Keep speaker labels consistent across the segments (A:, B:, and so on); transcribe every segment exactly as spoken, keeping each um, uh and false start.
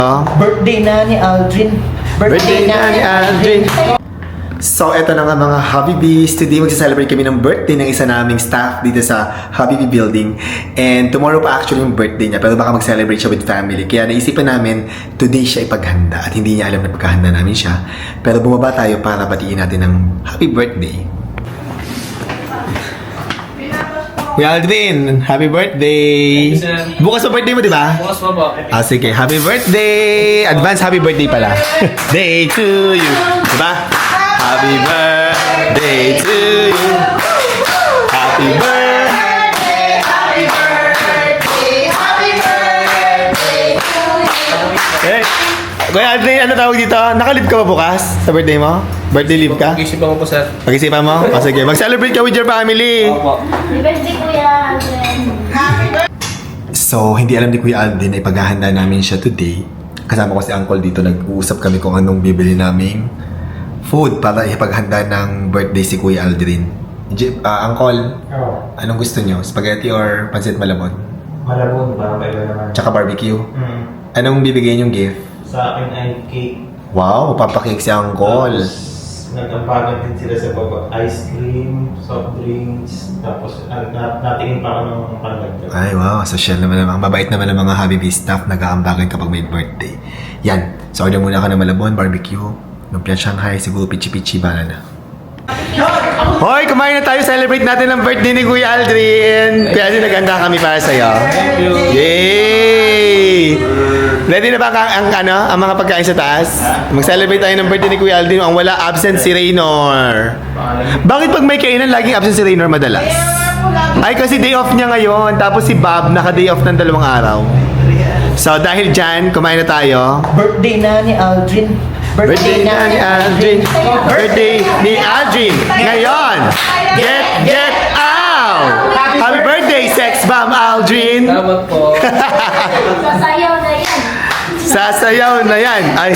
A: Birthday na ni Aldrin.
B: Birthday na ni Aldrin. So, eto na nga mga Habibis. Today, magsa-celebrate kami ng birthday ng isa naming staff dito sa Habibi Building. And tomorrow pa actually yung birthday niya. Pero baka mag-celebrate siya with family. Kaya naisipan namin, today siya ipaghanda. At hindi niya alam na paghahanda namin siya. Pero bumaba tayo para batiin natin ng happy birthday. Kuya Aldrin, happy birthday! Bukas pa birthday mo, di ba?
C: Bukas pa po.
B: Ah, sige. Happy birthday! Advance happy birthday pala. Day to you. Diba? Happy birthday to you. Happy birthday. Happy birthday. Happy birthday to you. Eh, Kuya Aldrin, ano tawag dito? Nakalib ka ba bukas sa birthday mo? Birthday leave ka?
C: Pag-isipan ko po, sir.
B: Pag-isipan mo? O sige, mag-celebrate ka with your family.
C: Opo.
D: Birthday Kuya Aldrin.
B: So, hindi alam ni Kuya Aldrin na ipaghahanda namin siya today. Kasama ko si Uncle dito, nag-uusap kami kung anong bibili naming food para ipaghanda ng birthday si Kuya Aldrin. J- uh, Uncle,
E: Oo.
B: anong gusto nyo? Spaghetti or pancit malabon?
E: Malabon ba? Kaiba naman.
B: Tsaka barbecue?
E: Mm.
B: Anong bibigay yung gift?
E: Sa akin ay cake.
B: Wow, papakik si Uncle.
E: Tapos, nag-ampagan din sila sa baba. Ice cream, soft drinks, tapos uh, nat natingin pa ako ng pandagdag.
B: Ay, wow. Social naman naman. Mabait naman ang mga Habibi staff. Nag-aambagan kapag may birthday. Yan. So, order muna ka ng malabon, barbecue, lumpia Shanghai, siguro pichi-pichi, bala na. Hoy, kumain na tayo. Celebrate natin ang birthday ni Kuya Aldrin. Kuya Aldrin, naganda kami para sa'yo. Yay! Ready na ba ang, ang, ano, ang mga pagkain sa taas? Mag-celebrate tayo ng birthday ni Kuya Aldrin. Ang wala, absent si Raynor. Bakit pag may kainan, laging absent si Raynor madalas? Ay, kasi day off niya ngayon. Tapos si Bob, naka-day off ng dalawang araw. So, dahil dyan, kumain na tayo.
A: Birthday na ni Aldrin.
B: Birthday na ni Aldrin. Birthday ni Aldrin. Ngayon, get, get out! Happy birthday, sex bomb Aldrin!
C: Salamat po.
D: Sasayaw na yan.
B: Sasayaw na yan. Ay.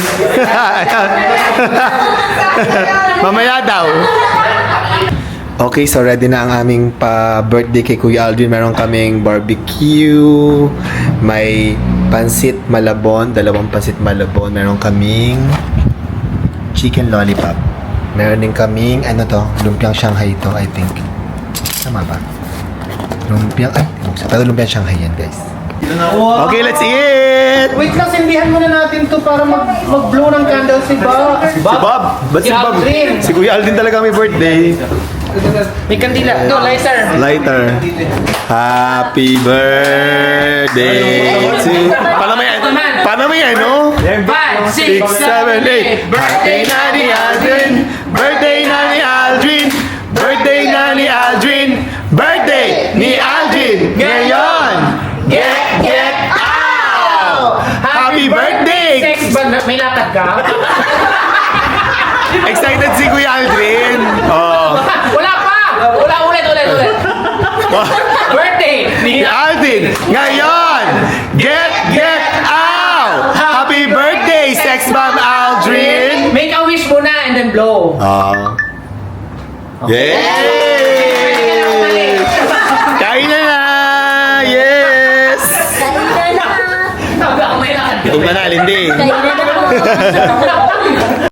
B: Mamaya daw. Okay, so ready na ang aming pa-birthday kay Kuya Aldrin. Meron kaming barbecue, may pansit malabon, dalawang pansit malabon. Meron kaming chicken lollipop. Meron din kaming, ano to, lumpiang Shanghai to, I think. Tama ba? Lumpiang, ay, pero lumpiang Shanghai yan, guys. Okay, let's eat!
E: Wait lang, sindihan muna natin to para mag- mag-blow ng candle si Bob.
B: Si Bob! Ba't si
C: Si
B: Bob?
C: Aldrin.
B: Si Kuya Aldrin talaga may birthday.
C: May kandila. No, lighter.
B: Lighter. Happy birthday to... Paano mo yan? Paano mo yan, no?
C: Five,
B: Six, seven, eight. Birthday na ni Aldrin. Birthday na ni Aldrin. Birthday na ni Aldrin. Birthday ni Aldrin. Ngayon. Get, get out! Happy birthday!
C: Sex band. May lakad ka?
B: Excited si Kuya Aldrin. Oh.
C: Wala pa! Wala, ulit, ulit, ulit. Birthday
B: Ni
C: ni
B: Aldrin. Ngayon. Get, get out! Happy birthday, sex bomb Aldrin!
C: Make a wish muna and then blow.
B: Ah. Yay! Kain na na! Yes!
D: Kain na na.
C: Sabi ako may lakad ka.
B: Ito na, Lindy.
D: Kain na na.